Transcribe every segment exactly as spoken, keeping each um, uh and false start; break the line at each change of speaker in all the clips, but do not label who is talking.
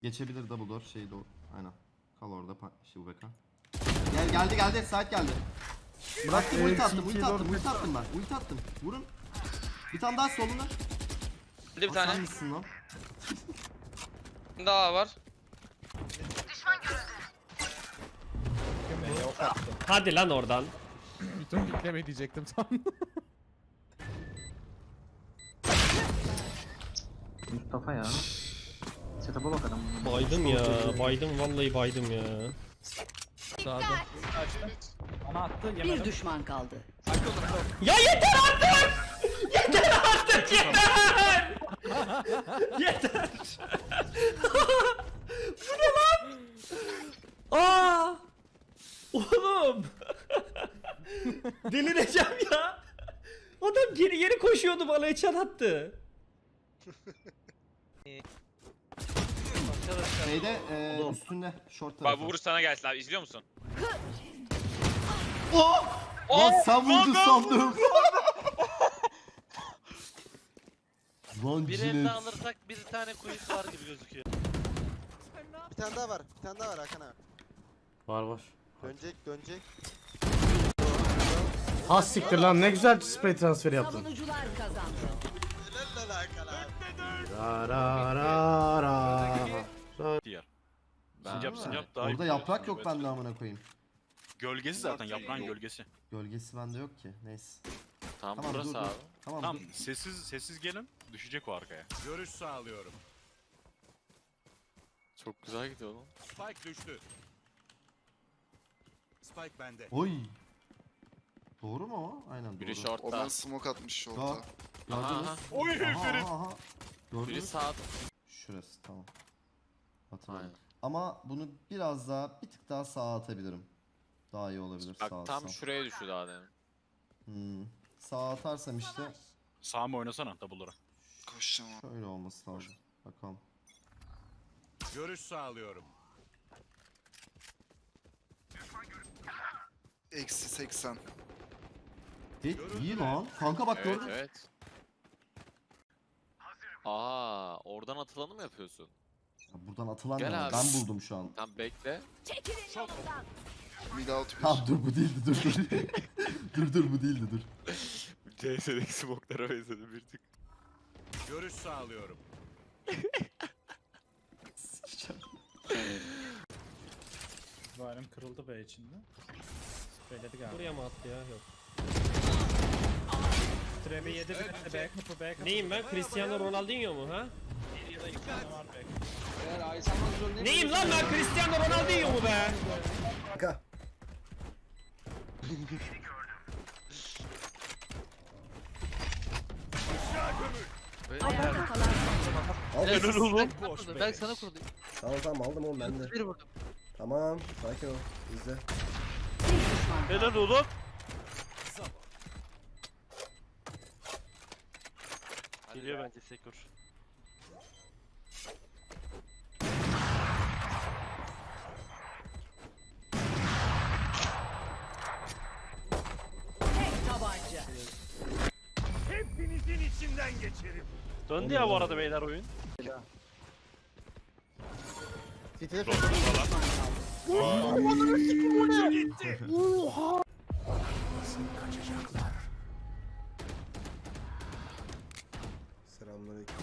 Geçebilir double door şey doğru. Aynen. Kal orada şey bu beka. Gel geldi geldi side geldi. Bıraktım ulti attım ulti attım ulti attım ben. Ulti attım. Vurun. Bir tane daha solunda.
Hadi bir tane.
Sen misin lan?
Daha var.
Hadi lan oradan.
Bütün pikleme diyecektim tam.
Mustafa ya. Setup'a bak adam.
Baydım ya. Baydım vallahi baydım ya.
Sağda.
Bana attı
Bir
yemedim.
düşman kaldı.
Ya yeter artık! Yeter artık yeter! Yeter! Bu ne lan? Aa! Oğlum! Delireceğim ya! Adam geri geri koşuyordu bana headshot attı.
Şeyde eee üstünde short
Bak
tarafı.
bu vuruş sana gelsin abi, izliyor musun?
Oh! Lan sen vurdun sandım. Lan
Bir
cilet.
elde alırsak bir tane kuyusu var gibi gözüküyor.
Bir tane daha var. Bir tane daha var Hakan abi.
Var var.
Dönecek, dönecek.
Ha siktir lan ne güzel spray transferi yaptın.
Savunucular kazandı.
Helal lan Hakan abi.
Ra ra ra ra.
Sincap sincap daha
Orada
iyi
yaprak
biliyorsun,
yok bende amına koyayım.
Gölgesi zaten yaprağın gölgesi.
Gölgesi bende yok ki. Neyse.
Tamam,
Tamam
burası
dur dur.
abi.
Tamam,
Tamam
dur.
sessiz sessiz gelin düşecek o arkaya.
Görüş sağlıyorum.
Çok güzel gidiyor lan.
Spike düştü. Spike bende.
Oy. Doğru mu o? Aynen doğru.
Biri shortta.
Smoke atmış
Aa,
orta.
gördünüz.
Aha.
Oy
Aha,
Ferit.
aha, aha.
Biri
Gördünüz.
sağda.
Şurası tamam. Hatırladım.
Aynen.
Ama bunu biraz daha bir tık daha sağa atabilirim. Daha iyi olabilir
Bak
sağa
tam
atsam.
şuraya düştü daha demin.
Hmm. Sağa atarsam işte
Sağ mı oynasana double'lara.
Koşacağım abi.
şöyle olması lazım. Bakalım.
Görüş sağlıyorum.
Eksi seksen.
Hit iyi lan. Kanka bak
Evet
gördün mü?
evet. Aa, oradan atılanı mı yapıyorsun?
Ya buradan atılan
Gel
ne var?
abi.
Ben buldum şu an.
Tam bekle.
Çekilin yolundan.
Mid out bir.
Tamam dur bu değildi dur dur. dur dur bu değildi dur.
C S'deki smoke'lara benzedi bir tık.
Görüş sağlıyorum.
Varım kırıldı be içinde. Söyledi galiba.
Buraya mı attı ya? Yok.
Trevi yedi bir back kapı back kapı.
Neyim ben? Cristiano Ronaldinho mu ha?
Bir ya da iki tane var back.
Neyim lan ben? Cristiano Ronaldinho mu be?
Ayakta kalan son.
Helal oğlum.
Ben
sana kurdum.
Tamam tamam aldım oğlum ben de.
Bir vurdum.
Tamam sakin ol. İzle.
Bir düşman kaldı.
Helal oğlum. Geliyor bence Sekur.
Tek tabanca.
Hepinizin içinden geçerim.
Döndü ya bu arada beyler oyun.
Bir düşman kaldı.
Selamünaleyküm.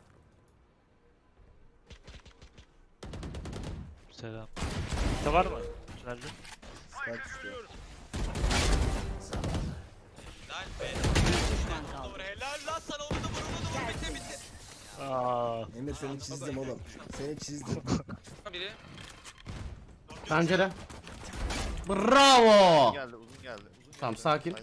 Selam. Ne var mı? Tünelde.
Spike düştü.
Bir düşman kaldı.
Helal lan sana, onu da vur, onu da vur, bitti bitti.
Aa.
Emir seni çizdim oğlum. Seni çizdim.
Biri.
Pencere. Bravo.
Geldi uzun geldi.
Tamam sakin.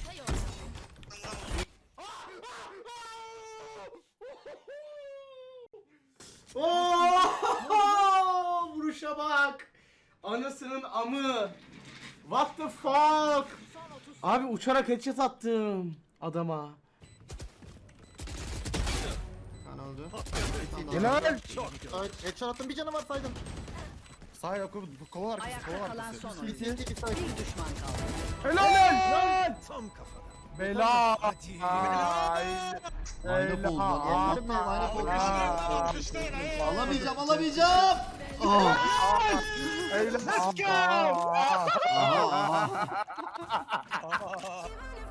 Oh! Vuruşa bak. Anasının amı. What the fuck? Abi uçarak headshot attım adama.
Ben öldü.
Helal.
Headshot attım, bir canı var saydım.
Sağ yok kova
Ayakta kalan son oyuncu.
Bir
Bir düşman kaldı.
Helal.
Tam kafadan.
Bela.
Line up oldu lan. Allah'ım ya line up oldu. Alamayacağım alamayacağım. Oh.
Let's go.
Aha aha.